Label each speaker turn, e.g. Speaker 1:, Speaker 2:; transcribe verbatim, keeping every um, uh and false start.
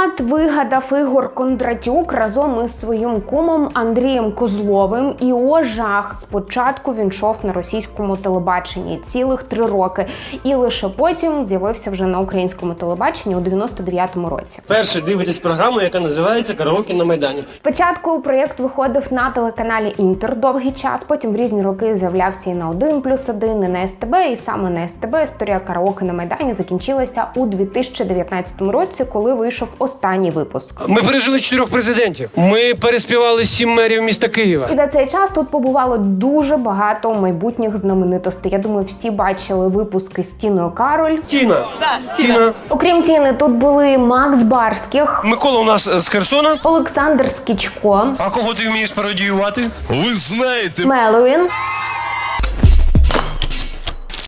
Speaker 1: формат вигадав Ігор Кондратюк разом із своїм кумом Андрієм Козловим. І о жах, спочатку він йшов на російському телебаченні цілих три роки. І лише потім з'явився вже на українському телебаченні у дев'яносто дев'ятому році.
Speaker 2: Перше дивитесь програму, яка називається «Караоке на Майдані».
Speaker 1: Спочатку проєкт виходив на телеканалі «Інтер» довгий час, потім в різні роки з'являвся і на один плюс один, і на ес те бе, і саме на ес те бе історія «Караоке на Майдані» закінчилася у дві тисячі дев'ятнадцятому році, коли вийшов останній випуск.
Speaker 2: Ми пережили чотирьох президентів. Ми переспівали сім мерів міста Києва.
Speaker 1: І за цей час тут побувало дуже багато майбутніх знаменитостей. Я думаю, всі бачили випуски з Тіною Кароль.
Speaker 2: Тіна.
Speaker 3: Да, Тіна.
Speaker 2: Тіна.
Speaker 1: Окрім Тіни, тут були Макс Барських,
Speaker 2: Микола у нас з Херсона.
Speaker 1: Олександр Скічко,
Speaker 2: А кого ти вмієш пародіювати?
Speaker 4: Ви знаєте,
Speaker 1: Меловін,